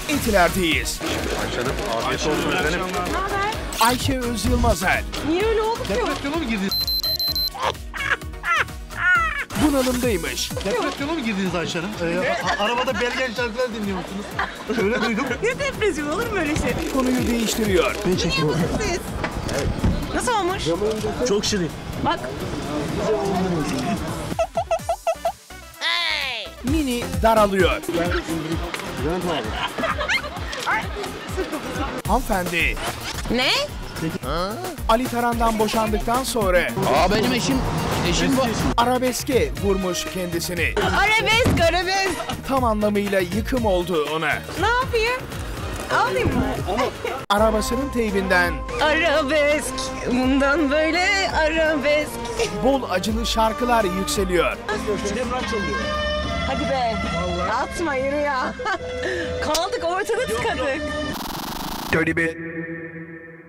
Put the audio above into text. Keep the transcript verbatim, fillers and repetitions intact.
Etiler'deyiz. Ayşe'nin afiyet olsun efendim. Ne haber? Ayşe Özyılmazel Niye öyle oldu ki? Depresyona mı girdiniz? bunalımdaymış. Depresyona mı girdiniz Ayşe Hanım? Ee, a- arabada Bergen şarkılar dinliyor musunuz? Öyle duydum. Ne depresyon olur mu öyle şey? Konuyu değiştiriyor. Ben çekiyorum. Siz. Nasıl olmuş? Çok şirin. Bak. Mini daralıyor. Hanımefendi, Ne? Ali Taran'dan boşandıktan sonra Aa benim eşim, eşim bu. arabeske vurmuş kendisini. Arabesk, arabesk. Tam anlamıyla yıkım oldu ona. Ne yapayım? Alayım mı? Arabasının teybinden Arabesk. Bundan böyle arabesk. bol acılı şarkılar yükseliyor. Hadi be. Atma yürü ya. Kaldık ortada tıkadık. Dirty bit.